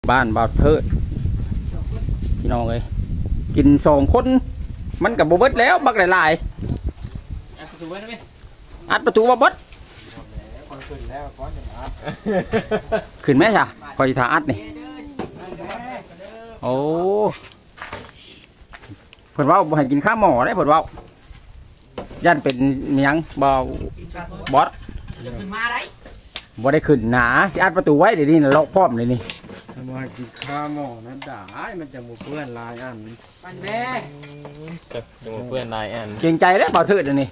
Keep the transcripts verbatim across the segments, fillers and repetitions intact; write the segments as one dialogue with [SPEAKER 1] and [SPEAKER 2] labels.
[SPEAKER 1] บ้านบ่าวเทิดพี่น้องเอ้ยกินสองคนมันกับโบเบิดแล้วบักหลายๆอัดประตูไว้ได้ไหมอัดประตูบ่เบิดขึ้นไหมจ้ะคอยทาอัดนี่โอ้เพิ่นว่าบ่ให้กินข้าวหม้อได้เพิ่นว่ายันเป็นเมียงบ่บอสบ่ได้ขึ้นหนาสิอัดประตูไว้เดี๋ยวนี้น่ะล็อกพร้อมเลยนี่
[SPEAKER 2] มากินข้าวหม้อนั้นด่ามันจะหมูเพื่อนลายอันมันแม่
[SPEAKER 3] จะจะหมูเพื่อนลายอัน
[SPEAKER 1] เกรงใจแล้วบ่าวเทิดอันนี้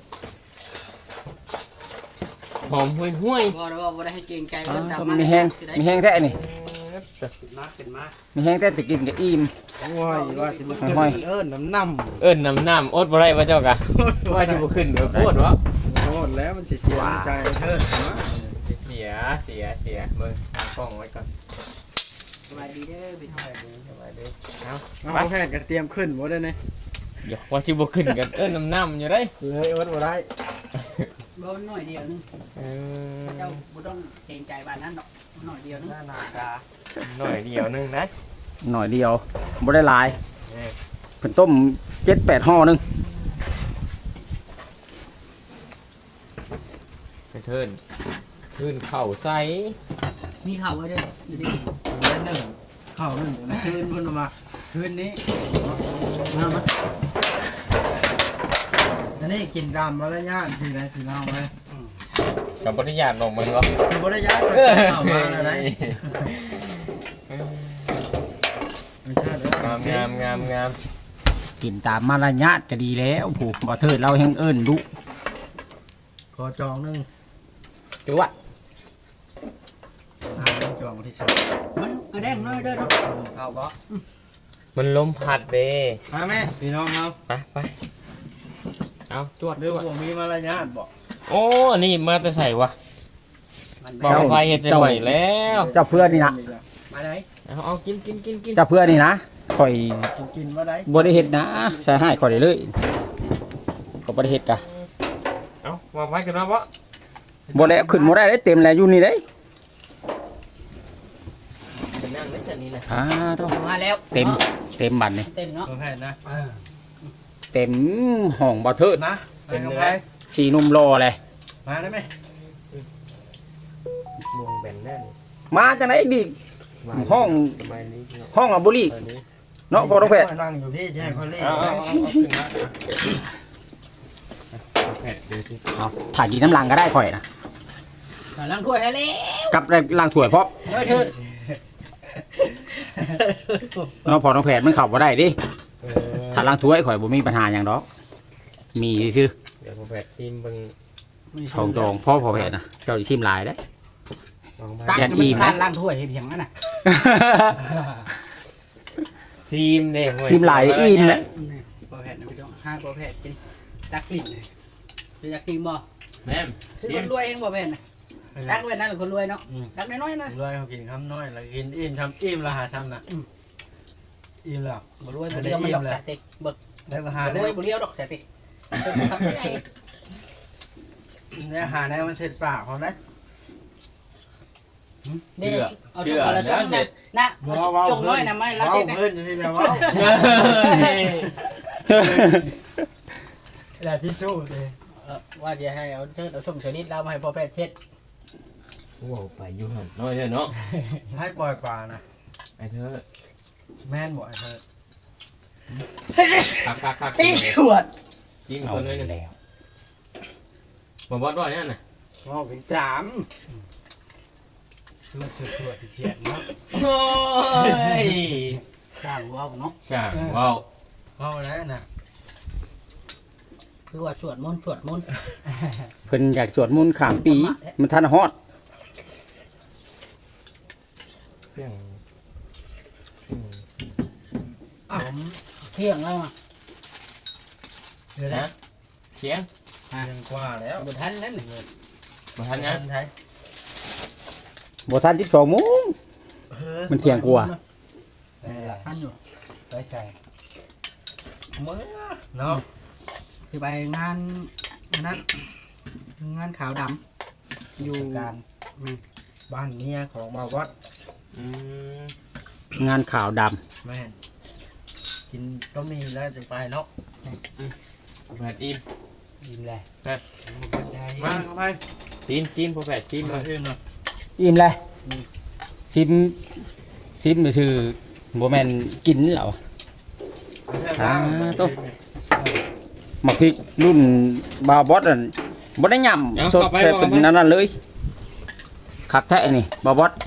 [SPEAKER 3] หอมห้วยห้วย
[SPEAKER 4] บ่ได้ว่าบ่ได้ให้เกรงใจเพิ่นตาม
[SPEAKER 1] มีแห้งมีแห้งแท้นี่
[SPEAKER 4] มาขึ้นมา
[SPEAKER 1] มีแห้งแท้แต่กินก็อิ่ม
[SPEAKER 2] โอ้ยว่าสิบ่ขึ้นเอิ้นน้ำน้
[SPEAKER 3] ำเอิ้นน้ำน้ำอดบ่ได้ว่าเจ้ากะว่าสิบ่ขึ้นเด้อโพดวะ
[SPEAKER 2] ำโทษแล้วมันสิเสียใจเทิดนะ
[SPEAKER 3] เสียเสียเสียเบิ่งทางกล้องไว้ก่อน
[SPEAKER 4] สบายดีเด้อพี่น้อง
[SPEAKER 3] สบายดีเอา
[SPEAKER 2] เอาแพทย์ก็เตรียมขึ้นบ่ได้นี่
[SPEAKER 3] เดี๋ยวว่าสิบ่ขึ้นกันเอิ้นน้ำน้ำอยู่ได้
[SPEAKER 2] เลยอดบ่ได้
[SPEAKER 4] บ่น้อยเดียวนึง
[SPEAKER 3] เออ
[SPEAKER 4] เจ้าบ่ต้องเกรงใจบ้านนั้นดอกน้อยเดียวนึงหน้าตา
[SPEAKER 3] หน่อยเดียวนึงนะ
[SPEAKER 1] หน่อยเดียวบ่ได้หลายเพิ่นต้มเจ็ดแปดห่อนึง
[SPEAKER 3] ไปเทินขึ้นเข่าใส
[SPEAKER 4] มีข้าวไว้เด้ออยู่ดิ
[SPEAKER 2] เดือนนึงเข้านึงคืนเพิ่นมาคืนนี้มามาอันนี้กินดำมาแล้วญาติที่ไหนพี่น้องเว้ย
[SPEAKER 3] กับบริญาตลงมันวะ
[SPEAKER 2] บ่ได้ญาติเข้ามาแล้วไหน
[SPEAKER 3] งามงามงามงาม
[SPEAKER 1] กินตามมารยาทก็ดีแล้วผู้บ่เทิดเราแฮงเอิ้นดุ
[SPEAKER 2] ขอจองนึง
[SPEAKER 1] จุ๊วะ
[SPEAKER 2] จองที่สุด
[SPEAKER 4] มันกระแดงน้อยเด้อเนาะ
[SPEAKER 2] เข้าบ่
[SPEAKER 3] มันลมพัดเด้
[SPEAKER 2] มาแม่พี่น้องเอา
[SPEAKER 3] ไปไปเอาจวด
[SPEAKER 2] เรื่องบ่มีมารยาทบ่
[SPEAKER 3] โอ้นี่มาแต่ใส่วะบอกไปเฮ็ดจะไหวแล้ว
[SPEAKER 1] เจ้าเพื่อนนี่นะ
[SPEAKER 4] มาได้
[SPEAKER 3] เอาเอากินกินกินกิน
[SPEAKER 1] เจ้าเพื่อนนี่นะข่อย
[SPEAKER 2] กินบ่ได้
[SPEAKER 1] บ่ได้เฮ็ดนะใส่ให้ข่อยได้เลยก็บ่ได้เฮ็ดกะ
[SPEAKER 3] เอาวางไว้กันว่าบ่
[SPEAKER 1] บ่แล้วขึ้นบ่ได้เด้เต็มแล้วอยู่นี่เด้
[SPEAKER 3] เป็นนั่งได้จังนี้นะ
[SPEAKER 1] อ่าต้อง
[SPEAKER 4] มาแล้ว
[SPEAKER 1] เต็มเต็มบัดนี่
[SPEAKER 4] เต็มเนาะ
[SPEAKER 2] แพทย์นะ
[SPEAKER 1] เต็มห้องบ่เทิด
[SPEAKER 2] นะเป็นไง
[SPEAKER 1] สีนุ่มรอเลย
[SPEAKER 2] มาได้มั้ย
[SPEAKER 3] มวงแบนแน่นี่
[SPEAKER 1] มาจังได๋ดิห้องห้องอบุรีเนาะพอต้องแพทย์
[SPEAKER 2] นั่งอยู่ที่ให้เขาเล่น
[SPEAKER 3] เอาเอาเอาขึ้นมาแพทย์ดูสิ
[SPEAKER 1] เอาถ่ายกินน้ำลังก็ได้ข่อยนะ
[SPEAKER 4] ล้างถ้วยให้แล้ว
[SPEAKER 1] กับล้างถ้วยพร้อม
[SPEAKER 4] น้อยเถิด
[SPEAKER 1] เนาะพอต้องแพทย์มันเข้าบ่ได้ดิถ้าล้างถ้วยข่อยบ่มีปัญหาหยังดอกมีซื่อ
[SPEAKER 3] เดี๋ยวพอแพทย์ชิมเบิ่ง
[SPEAKER 1] สองตรงพ่อพอแพทย์นะเจ้าสิชิมหลายเด้
[SPEAKER 4] ตักมันคานล้างถ้วยเฮ็ดหยังนั่นน่ะ
[SPEAKER 3] ซีมเด้
[SPEAKER 1] ซิมหลายอิ่มนะ
[SPEAKER 4] บ่แพทย์นะพี่น้องห้าบ่แพทย์กินตักกลิ่นเป็นตักกลิ่นบ่
[SPEAKER 3] แม่
[SPEAKER 4] คือคนรวยเองบ่แพทย์นะตักไว้นั่นคนรวยเนาะตักน้อยๆนะ
[SPEAKER 2] รวยเขากินคำน้อยแล้วกินอิ่มทำอิ่มแล้วหาทำน่ะอิ่มแล้ว
[SPEAKER 4] บ่รวยบ่เดียวมันดอกแต่ติเบิก
[SPEAKER 2] แล้วก็หาร
[SPEAKER 4] วยบ่เดียวดอกแต่ติทำได้
[SPEAKER 2] เนี่ยหาได้มันเสร็จปากเขาได้
[SPEAKER 4] เดี๋ยวเอาจงมาแล้วจงนะนะจงน้อยนะไม่แล้วเจ๊นะ
[SPEAKER 2] เพื่อนอยู่ที่ไหนวะแหละที่สู้เลย
[SPEAKER 4] ว่าจะให้เอาเชิดเอาชมเฉลิดเรามาให้พ่อแพทย์เพชร
[SPEAKER 3] ว้าวไปยุ่งหันน้อยเลยเนาะ
[SPEAKER 2] ให้ปล่อยปลานะ
[SPEAKER 3] ไอ้เธอ
[SPEAKER 2] แม่นบ่ไอ้เธอ
[SPEAKER 3] คักคักคัก
[SPEAKER 4] ตีขวด
[SPEAKER 3] ซีมตัวน้อยนึงแล้วบ่บอดบ่เนี่ยน่ะ
[SPEAKER 2] ว้าวเป็นจามเลือดเถื่อนเฉียดเนาะ
[SPEAKER 3] โอ้ย
[SPEAKER 4] ช่างว้าวเนาะ
[SPEAKER 3] ช่างว้าว
[SPEAKER 2] ว้าวแล้วนะ
[SPEAKER 4] คือว่าสวดมนต์สวดมนต์
[SPEAKER 1] เพิ่นอยากสวดมนต์ข้ามปีมันทันฮอด
[SPEAKER 3] เพียง
[SPEAKER 4] ผมเที่ยงแล้วอ่ะ
[SPEAKER 2] เดี๋ยวนะ
[SPEAKER 3] เที่ยง
[SPEAKER 2] เที่ยงกว่าแล้ว
[SPEAKER 4] บ่ทันนั่น
[SPEAKER 3] บ่ทันนะ
[SPEAKER 2] ไทย
[SPEAKER 1] บ่ทันสิบสองโมงมันเที่ยงกว่า
[SPEAKER 4] ทันอยู่
[SPEAKER 2] ไปใส่เมื่อเนาะ
[SPEAKER 4] คือไปงานนั้นงานขาวดำอยู่
[SPEAKER 2] การบ้านเมียของบ่าววัด
[SPEAKER 1] งานข่าวด
[SPEAKER 2] แม่นกินก็มีแล้วจะไปเนาะ
[SPEAKER 3] แผดอิ่ม
[SPEAKER 4] ยิ้มเลย
[SPEAKER 3] ฮะ
[SPEAKER 2] มาเข้าไป
[SPEAKER 3] ชิมชิมพอแผดชิม
[SPEAKER 2] มา
[SPEAKER 3] มา
[SPEAKER 2] เองเนาะ
[SPEAKER 1] ำอิ่มเลยซิมซิมไปชื่อบ่แม่นกินเหรออ่าโตหมักพริกรุ่นบาวบอสอ่ะบ่ได้ย่ำสดแค่เป็นนั่นนั่นเลยคักแท้นี่บาวบอส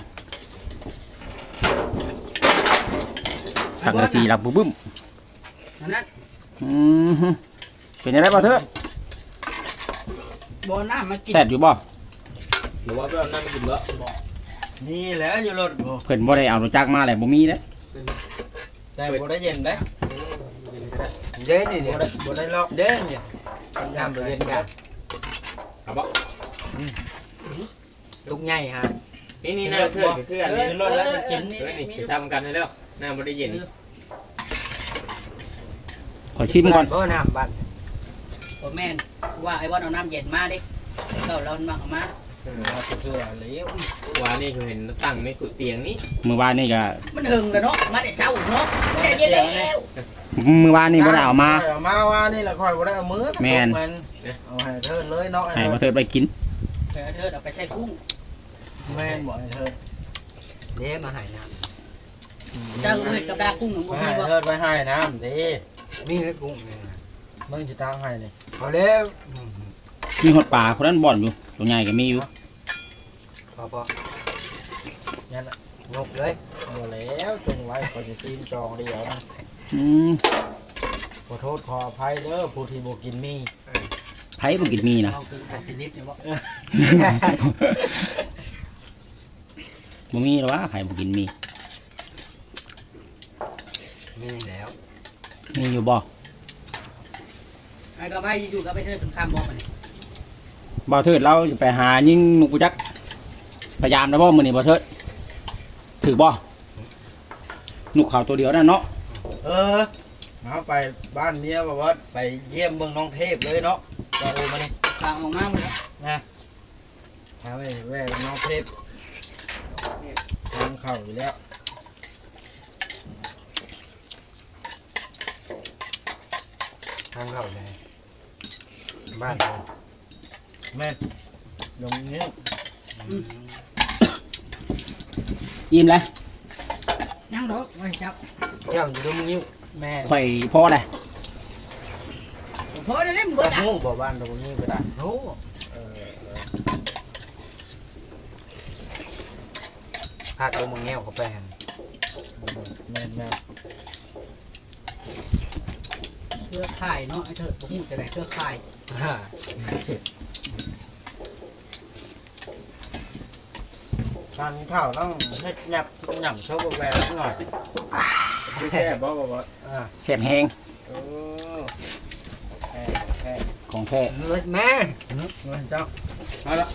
[SPEAKER 1] สังกะสีหลับบึ้ม
[SPEAKER 4] นั่นนั่น
[SPEAKER 1] อืมฮึเป็นยังไงบ่เถอะ
[SPEAKER 4] บ่น้ำมากิน
[SPEAKER 1] แซ่บอยู่บ่
[SPEAKER 3] หรือว่าเพื่อนนั่งกินแล้ว
[SPEAKER 2] นี่แหละอยู่รถบ่
[SPEAKER 1] เพิ่นบ่ได้เอารถจักรมาแหละบ่มีเด้
[SPEAKER 2] แต่บ่ได้เย็นได้
[SPEAKER 4] เด้นี่
[SPEAKER 2] บ่
[SPEAKER 4] เดี๋ยว
[SPEAKER 2] ได้บ่ได้ล็อก
[SPEAKER 4] เด้เนี่ย
[SPEAKER 2] น้ำบ่เย็นกัน
[SPEAKER 3] ครับบ่
[SPEAKER 4] ลูกใหญ่ฮะ
[SPEAKER 3] นี่นี่น่าเชื่อคืออันนี้
[SPEAKER 2] ขึ้นรถแล้วจะกิน
[SPEAKER 3] เฮ้ยนี่จะซ้ำกันให้แล้วน้ำบ่ได้เย็น
[SPEAKER 1] ขอชิมก่อน
[SPEAKER 2] บ่น้ำบัด
[SPEAKER 4] บ่แม่นว่าไอ้ว่าเอาน้ำเย็นมาดิเราเรามาเอามา
[SPEAKER 2] มาเชื่อแล้ว
[SPEAKER 3] วานนี่เขาเห็นตั้งในกุเตียงนี้
[SPEAKER 1] มื้อวานนี่ก็
[SPEAKER 4] มันหึงแล้วเนาะมาแต่เช้าเนาะไม่ได้เย็นแล้ว
[SPEAKER 1] มื้อวานนี่บ่ได้เอามา
[SPEAKER 2] เอามาว่านี่ละค่อยบ่ได้เอามือ
[SPEAKER 1] แม่น
[SPEAKER 2] เอาให้เธอเลยเนาะ
[SPEAKER 1] ให้บ่เถิดไปกิน
[SPEAKER 4] เธอเธอเอาไปใส่กุ้ง
[SPEAKER 2] แม่นบ่ให้เธอ
[SPEAKER 4] เด้มาใหายน้ำเจ้าเฮ็ดกับดากุ้งหนูบ่
[SPEAKER 2] ให้
[SPEAKER 4] มีบ่
[SPEAKER 2] เธอไปให้น้ำดิ
[SPEAKER 4] มีให้กุ้งนี่นะ
[SPEAKER 2] มึงสิตามให้นี่
[SPEAKER 4] พอแล้ว
[SPEAKER 1] มีหดปลาคนนั้นบ่อนอยู่ตัวใหญ่ก็มีอยู่
[SPEAKER 4] พอพอ
[SPEAKER 2] นั่นน่ะ
[SPEAKER 4] งกเลย
[SPEAKER 2] บ่แล้วจงไว้ก็สิซีนจองเดียวนะ
[SPEAKER 1] อืม
[SPEAKER 2] ขอโทษขออภัยเด้อผู้ที่บ่กินมี
[SPEAKER 1] ไผบ่กินมีนะ
[SPEAKER 4] เอากินผัดชนิดเนี่ยบ่
[SPEAKER 1] บ่มีหรอกวะไผบ่กินมี
[SPEAKER 4] มีแล้ว
[SPEAKER 1] มีอยู่บ่
[SPEAKER 4] ไอ้ก็ไปอยู่กับไปเธอสงครามบ่มันนี่
[SPEAKER 1] บ่เถิดเราจะไปหายิงนกกูจักพยายามนะบ่มื้อนี้บ่เถิดถือบ่นกเขาตัวเดียวนั่นเนาะ
[SPEAKER 2] เออเอาไปบ้านเมียบ่ว่าไปเยี่ยมเมืองน้องเทพเลยเนาะก็โอมานี่
[SPEAKER 4] ข้างออกมาหมดแล้ว
[SPEAKER 2] นะหาไปแว่น้องเทพทางเข้าอยู่แล้ว
[SPEAKER 4] ทางเราเลยบ้าน
[SPEAKER 2] แม่นลงนี้
[SPEAKER 1] อิ่มเลย
[SPEAKER 4] ยังดอกไว้จับเจ้าอยู่ตรงนิ้ว
[SPEAKER 2] แม่
[SPEAKER 1] ข่อยพอได้
[SPEAKER 4] พอได้แล้วมึงเบิดอ่ะ
[SPEAKER 2] ฮู้บ่บ้านตรงนี้ก็ได้
[SPEAKER 4] โอ้
[SPEAKER 2] เออเออ
[SPEAKER 4] พาตัวมึงแง้วเข้าไปหั่น
[SPEAKER 2] แม่นแม่น
[SPEAKER 4] เครือข่ายเนาะไอ้เธอบ่ฮู้จะได้เครือข่าย
[SPEAKER 2] การข้าวต้องเฮ็ดหยับหยับโชว์แววหน่อย
[SPEAKER 3] คือแค่บ่บ่บ่
[SPEAKER 2] อ่า
[SPEAKER 1] แซ่บแฮง
[SPEAKER 2] โอ้แค่แค่
[SPEAKER 1] ของแท้
[SPEAKER 4] เลิศแม่
[SPEAKER 2] นึกเงินเจ้า
[SPEAKER 3] มาละ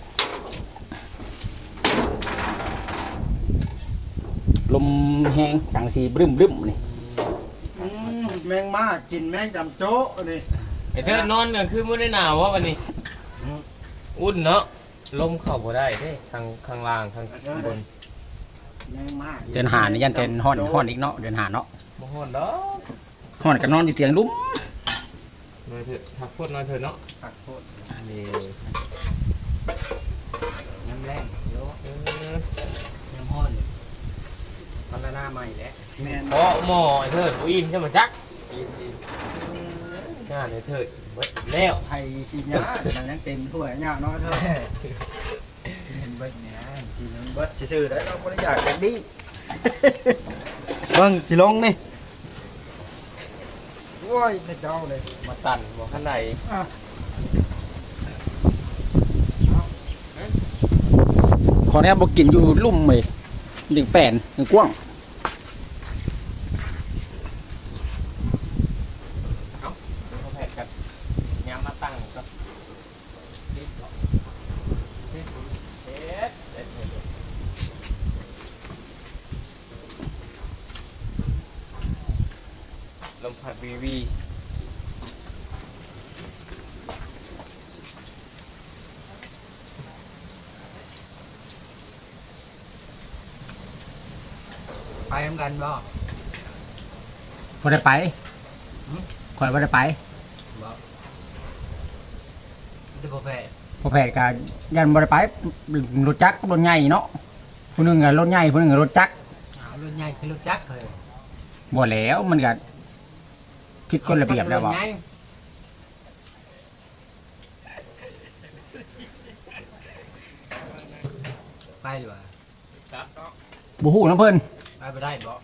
[SPEAKER 1] ลมแฮงสังสีบรึ้มบึ้มนี่
[SPEAKER 2] อืมแมงมากินแมงจำโจ๊ะนี่
[SPEAKER 3] ไอ้เธอนอนกลางคืนบ่ได้หนาววะวันนี้อุ่นเนาะลมเข้าบ่ได้เด้ข้างข้างล่างข้างบน
[SPEAKER 2] แมงมา
[SPEAKER 1] เดินหานี่ยันเต้นฮ้อนฮ้อนอีกเนาะเดินหาเนาะ
[SPEAKER 3] บ่ฮ้อนดอก
[SPEAKER 1] ฮ้อนก็นอนอยู่เตียงลุ่ม
[SPEAKER 3] นอนเถอะพักโคตรนอนเถอะเนาะ
[SPEAKER 2] ผักโคตร
[SPEAKER 3] นี่
[SPEAKER 4] น้ำแรงเยอะ
[SPEAKER 3] เออ
[SPEAKER 4] น้ำห้อนพัฒนาใหม่แล้ว
[SPEAKER 2] แมน
[SPEAKER 3] เพราะหม้อไอ้เถิดบ่อิ่มใช่มั้ยจักงานไอ้เถิดเบิดแล้ว
[SPEAKER 2] ไข่กินยามันยังเต็มถ้วยยาเนาะเธอเห็นเบิดเนี่ยกินเบิดซื่อๆได้เราบ่ได้อยากกันดิเบิ่งสิลงนี่โอ้ยพระเจ้าเลย
[SPEAKER 3] มาตันบ่คันใด
[SPEAKER 1] ขอแนบบ่กินอยู่ลุ่มเว้ยดึงแป้นดึงกว้าง
[SPEAKER 3] เขาแผดกันย้ำมาตั้งก็เด็ดเด็ดเด็ดลมพัดวีวี
[SPEAKER 4] ไปทำกันบ่
[SPEAKER 1] บ่ได้ไปข่อยบ่ได้ไป
[SPEAKER 4] บ่ที่บ่แพ้
[SPEAKER 1] พอแพทย์ก็ยันบ่ได้ไปรถจักรรถใหญ่เนาะผู้หนึงก็รถใหญ่ผู้หนึงก็รถจักร
[SPEAKER 4] เอารุ่นใหญ่คือรุ่นจักรเลย
[SPEAKER 1] บ่แล้วมันก็คิดคนระเบียบแล้วบ่
[SPEAKER 4] ไปดีกว่า
[SPEAKER 3] ครับเนาะ
[SPEAKER 1] บ่ฮู้นํเพิ่น
[SPEAKER 4] ไปไปได้บ่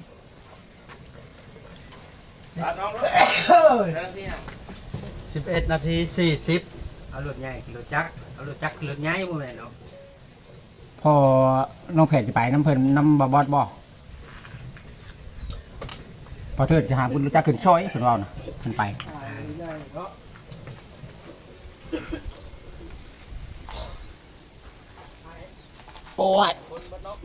[SPEAKER 3] ครับน้องเนาะเรื่องที่น่ะ
[SPEAKER 2] สิบเอ็ดนาทีสี่สิบ
[SPEAKER 4] เอารุ่นใหญ่คือรุ่นจักรเอารุ่นจักรคือรุ่นใหญ่บ่แม่นเนาะ
[SPEAKER 1] พอน้องแพทย์สิไปนํเพิ่นนำบ่บอสบ่พอเถิดจะหาบุญรู้จักขึ้นซอยเพิ่นเว้าน่ะเพิ่นไปโอ้ย
[SPEAKER 3] คนบนนก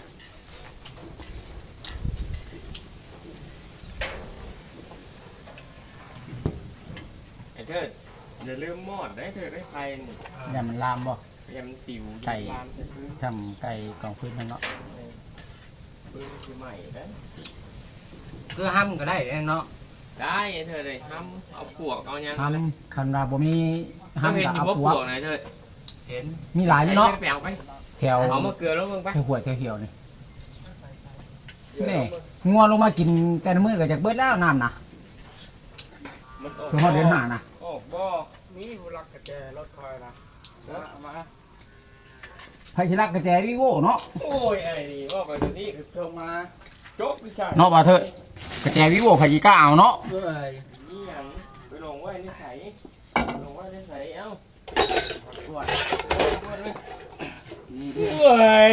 [SPEAKER 3] ไอ้เถิดอย่าลืมหมอดได้เถิดได้ไฟนี่
[SPEAKER 1] อย่ามันลามบ่
[SPEAKER 3] ยำติ๋ว
[SPEAKER 1] ไก่
[SPEAKER 3] ลามใส่พื้น
[SPEAKER 1] ทำไก่กองพื้นนั่นเนาะ
[SPEAKER 3] พื้นคือใหม่ได้
[SPEAKER 4] คือห้ำก็ได้เนาะ
[SPEAKER 3] ได้ไอ้เถิดเลยห้ำเอาปวกเอายัง
[SPEAKER 1] ทำคันว่าบ่มี
[SPEAKER 3] ห้ำ
[SPEAKER 1] ห้ำ
[SPEAKER 3] เห็น
[SPEAKER 1] ก็
[SPEAKER 3] อยู่
[SPEAKER 1] เอา
[SPEAKER 3] ว่า
[SPEAKER 1] ป
[SPEAKER 3] ป
[SPEAKER 1] ว
[SPEAKER 3] ว
[SPEAKER 1] ก
[SPEAKER 3] กไหนเถิด
[SPEAKER 4] เห็น
[SPEAKER 1] มีหลายอยู่เนาะ
[SPEAKER 3] ใส่ไปเอาไป
[SPEAKER 1] แถว
[SPEAKER 3] เอามาเกลือแล้วมึงไป
[SPEAKER 1] แถวหัวแถวเหี่ยวนี่นี่งัวลงมากินแต่ละมื้อก็จากเบิดแล้วน้ำนะ
[SPEAKER 3] มันออก
[SPEAKER 1] คือฮอดเดือนห้านะ
[SPEAKER 3] ออกบ่
[SPEAKER 2] มีผู้รักกระแจรถคอยนะเอามา
[SPEAKER 1] ไผสิรักกระแจวิโวเนาะ
[SPEAKER 3] โอ้ยไอ้นี่ว่าไปตัวนี้คือ
[SPEAKER 2] ลงมา
[SPEAKER 3] โจ๊กพี่ชาย
[SPEAKER 1] เนาะบ่าเถิดกระแจวิโวไผสิกล้าเอาเนาะ
[SPEAKER 2] เอ้ย
[SPEAKER 3] นี่หยังไปลงไว้ในใสลงไว้ในใสเอ้า
[SPEAKER 2] ปวด
[SPEAKER 3] โอ้ย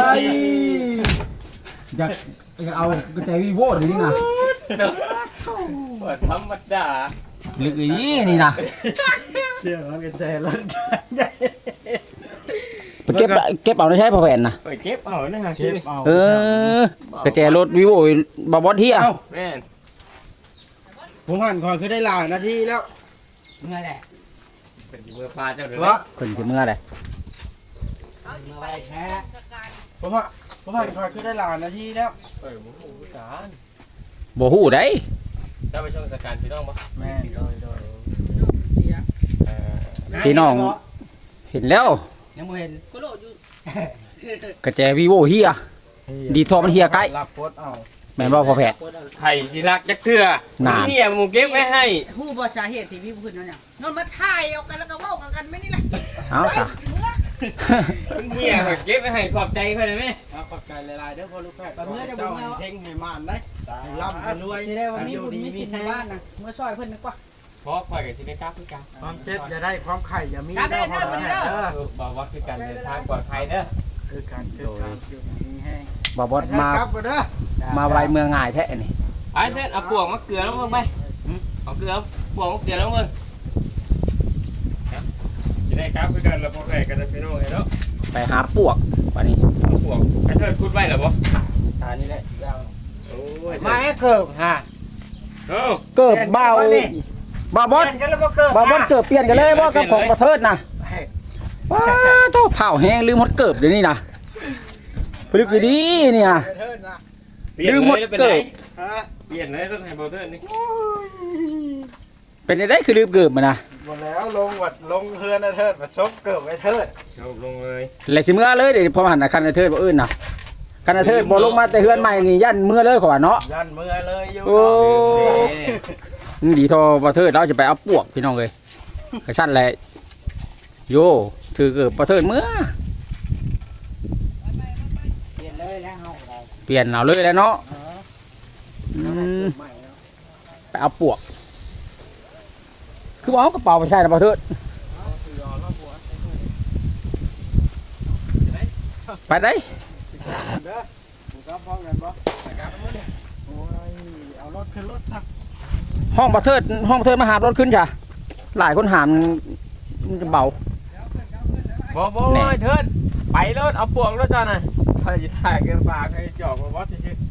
[SPEAKER 1] อยากอยากเอากระแจวิโวเดี๋ยวนี้นะ
[SPEAKER 3] ว่าธรรมดา
[SPEAKER 1] หรืออีนี่นะ
[SPEAKER 2] เชื่อมันกระแจรถใหญ่
[SPEAKER 1] ไปเก็บเก็บเอาได้ใช้พอแผ่นนะ
[SPEAKER 3] ไปเก็บเอานะฮะ
[SPEAKER 2] เก็บเอา
[SPEAKER 1] เออกระแจรถวิโวบ่บอสเฮีย
[SPEAKER 2] เอ้า
[SPEAKER 3] แม่น
[SPEAKER 2] ผมหันคอยคือได้หลายนาทีแล้ว
[SPEAKER 4] เมื่อแหละ
[SPEAKER 3] เป็นเมื่อปลาเจ้าเดือ
[SPEAKER 2] วะ
[SPEAKER 1] เพิ่นสิเมื่อใด
[SPEAKER 4] เมื่อไว้แท้
[SPEAKER 2] ผมว่าผมหันคอยคือได้หลายนาทีแล้ว
[SPEAKER 3] เออหมูหูผู้การ
[SPEAKER 1] บ่ฮู้ได้
[SPEAKER 3] เจ้าไปช่วงสการพี่น้องปะ
[SPEAKER 2] แม่โดยโดย
[SPEAKER 3] เออ
[SPEAKER 1] พี่น้องเห็นแล้ว
[SPEAKER 4] ยังบ่เห็น
[SPEAKER 5] กูโหลดอยู่
[SPEAKER 1] กระแจวิโวเฮียดีทอมันเฮียใกล้
[SPEAKER 2] รับโพสเอา
[SPEAKER 1] แม่นบ่พอแผ่
[SPEAKER 3] ไข่สิรักจักเถื่อ
[SPEAKER 1] นาน
[SPEAKER 3] เนี่ยหมูเก็บไว้ให้
[SPEAKER 5] ฮู้บ่สาเหตุที่พี่พูดนั่นเนี่ยนอนมาถ่ายเอากันแล้วก็เว้ากันกันไม่นี่แหละ
[SPEAKER 1] เอาซะ
[SPEAKER 5] เมื่อ
[SPEAKER 3] เนี่ยเขาเก็บไว้ให้ขอบใจเพื่อนไหม
[SPEAKER 2] เอาขอบใจหลายๆเด้อพ่อลูกแพทย์เจ้าให้เพ่งให้มานได้ให้ร่ำให้รวย
[SPEAKER 5] สิได้ว่ามีบุญมีสินในบ้านนะเมื่อซอยเพิ่นนึกว่า
[SPEAKER 3] เพราะคอยกับสิได้กล้าพี่กา
[SPEAKER 2] ความเจ็บอย่าได้ความไข่อย่ามี
[SPEAKER 5] ครับเด้อเด้อ
[SPEAKER 2] พ่อ
[SPEAKER 5] เด้อ
[SPEAKER 2] เออ
[SPEAKER 3] บอกว่าคือการเดินทางปลอดภัยเด้อ
[SPEAKER 2] คือการคือการอยู่ดีแห้ง
[SPEAKER 1] บ่บอสมา
[SPEAKER 2] กลับมาเด้อ
[SPEAKER 1] มาไวเมืองง่ายแท้นี่
[SPEAKER 3] ไอ้เพื่อนเอาปวกมาเกลือแล้วมึงไปเอาเกลือปวกมาเกลือแล้วมึงจะได้กล้าพี่กันแล้วพอแข่กันพี่น้องเนาะ
[SPEAKER 1] ไปหาปวกวันนี้
[SPEAKER 3] เอาปวกไอ้เธอพูดไว้เหรอบ่
[SPEAKER 2] ตานี่แหละยาว
[SPEAKER 3] โอ้ย
[SPEAKER 4] มาให้เกิบฮะ
[SPEAKER 3] โอ้
[SPEAKER 1] เกิบเบาบ่บอส
[SPEAKER 4] กันแล้วบ่เกิบ
[SPEAKER 1] บ่บอสเกิบเปลี่ยนกันเลยบ่กับของประเทิดนะ
[SPEAKER 2] ให้
[SPEAKER 1] ว้าโตเผาแห้งลืมหมดเกิบเดี๋ยวนี้นะพลึกดีๆเนี่ย
[SPEAKER 2] เทิดนะ
[SPEAKER 1] ลืมหมดเกิบ
[SPEAKER 2] ฮะ
[SPEAKER 3] เปลี่ยนเลยต้องให้เบาเทิร์นนี่
[SPEAKER 1] เป็นได้คือลืมเกิบมานะ
[SPEAKER 2] หมดแล้วลงวัดลงเฮือนนะเทิดมาชกเกิบไว้เทิด
[SPEAKER 3] จบลงเลย
[SPEAKER 1] เลยสิเมื่อเลยเดี๋ยวพอหันนะคันเทิดบ่อื่นนะคันเทิดบ่ลงมาแต่เฮือนใหม่นี่ยันเมื่อเลยขอว่าเนาะ
[SPEAKER 2] ยันมือเลยอยู่
[SPEAKER 1] โอ้ดีทอประเทิดเราจะไปเอาปวกพี่น้องเลยกระชั้นแหละโยถือเกิบประเทิดเมื่อ
[SPEAKER 4] เปลี่ยนเลยแล้วเฮาได้
[SPEAKER 1] เปลี่ยนเอาเลยแล้วเนาะอืม
[SPEAKER 2] ใหม่แล้ว
[SPEAKER 1] ไปเอาปวก คือว่าเอากระเป๋าไปใช่นะประเทิดไปได้
[SPEAKER 2] เด้อถูกรับพร้อมกันบ่โอ้ยเอารถขึ้นรถสัก
[SPEAKER 1] ห้องประเทิดห้องประเทิดมาหามรถขึ้นจ้ะหลายคนหามมันจะเบา
[SPEAKER 3] บ่บ่
[SPEAKER 1] แน่
[SPEAKER 3] เทิร์นไปรถเอาปวกรถจ้าน่ะถ้าจะถ่ายกันปากให้จอกมาวัดซื่อ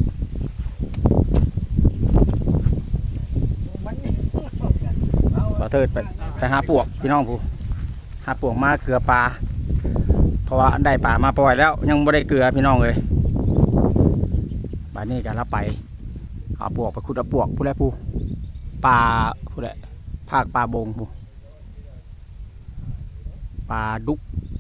[SPEAKER 2] มันนี่
[SPEAKER 1] ประเทิดไปไปหาปวกพี่น้องผู้หาปวกมาเกลือปลาเพราะว่าได้ปลามาปล่อยแล้ว ยังไม่ได้เกลือพี่น้องเลยไปบัดนี้ก็เราไปเอาปวกไปขุดเอาปวกผู้ใดผู้ปลาผู้ใดภาคปลาบงผู้ปลาดุก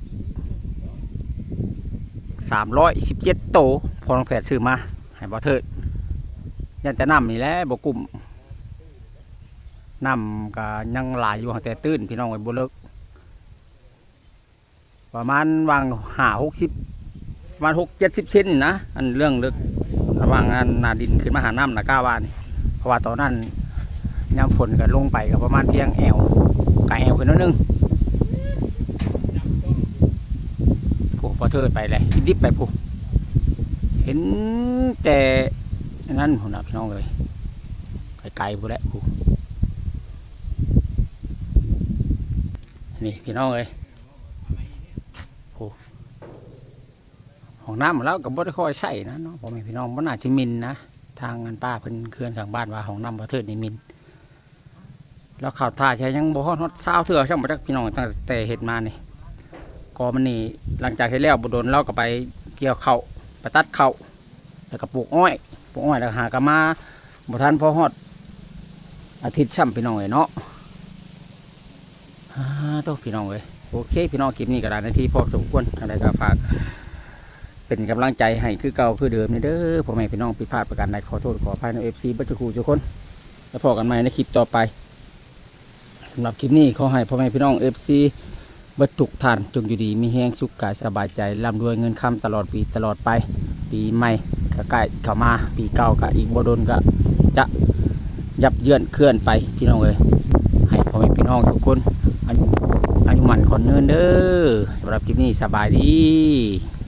[SPEAKER 1] สามร้อยสิบเจ็ดโตพอน้องแผดซื้อมาให้บ่เถิดยันแต่น้ำนี่แหละบ่กลุ่มน้ำก็ยังหลายอยู่แต่ตื้นพี่น้องไว้บ่เลิกประมาณวางห้าหกสิบประมาณหกเจ็ดสิบเซนนี่นะอันเรื่องเลิกระหว่างอันนาดินขึ้นมาหาน้ำนะก้าวานี่เพราะว่าตอนนั้นยามฝนก็ลงไปก็ประมาณเพียงแอวกะแอวขึ้นนิดนึงผู้พอเทิดไปเลยดิบไปผู้เห็นแต่นั่นผมนะพี่น้องเลยไกลๆผู้แหละผู้นี่พี่น้องเลยผู้ห้องน้ำแล้วกับบ่ได้ค่อยใส่นะเนาะผมเป็นพี่น้องบ่น่าจะมินนะทางงานป้าเพิ่นเคลื่อนทางบ้านว่าห้องน้ำพอเทิดนี่มินแล้วข่าวท่าใช้ยังบ่ฮอดฮอดเศร้าเถื่อช่างบ่จักพี่น้องตั้งแต่เฮ็ดมานี่ก็มันนี่หลังจากเฮ็ดแล้วบ่โดนเราก็ไปเกี่ยวข้าวไปตัดข้าวแล้วก็ปลูกอ้อยปลูกอ้อยแล้วหากะมาบ่ทันพอฮอดอาทิตย์ช่ำพี่น้องเอ้ยเนาะฮ่าโตพี่น้องเอ้ยโอเคพี่น้องคลิปนี้ก็ได้นาทีพอสมควรจังไดก็ฝากเป็นกำลังใจให้คือเก่าคือเดิมนี่เด้อพ่อแม่พี่น้องผิดพลาดประการใดขอโทษขออภัยใน เอฟ ซี บัดทุกคู่ทุกคนแล้วพบกันใหม่ในคลิปต่อไปสำหรับคลิปนี้ขอให้พ่อแม่พี่น้อง เอฟ ซี บัดทุกท่านจงอยู่ดีมีแห้งสุขกายสบายใจร่ำรวยเงินคำตลอดปีตลอดไปปีใหม่ก็ใกล้เข้ามาปีเก่าก็อีกบ่โดนก็จะยับเยือนเคลื่อนไปพี่น้องเอ้ยให้พ่อแม่พี่น้องทุกคนอายุอายุมันคนเนินเด้อสำหรับคลิปนี้สบายดี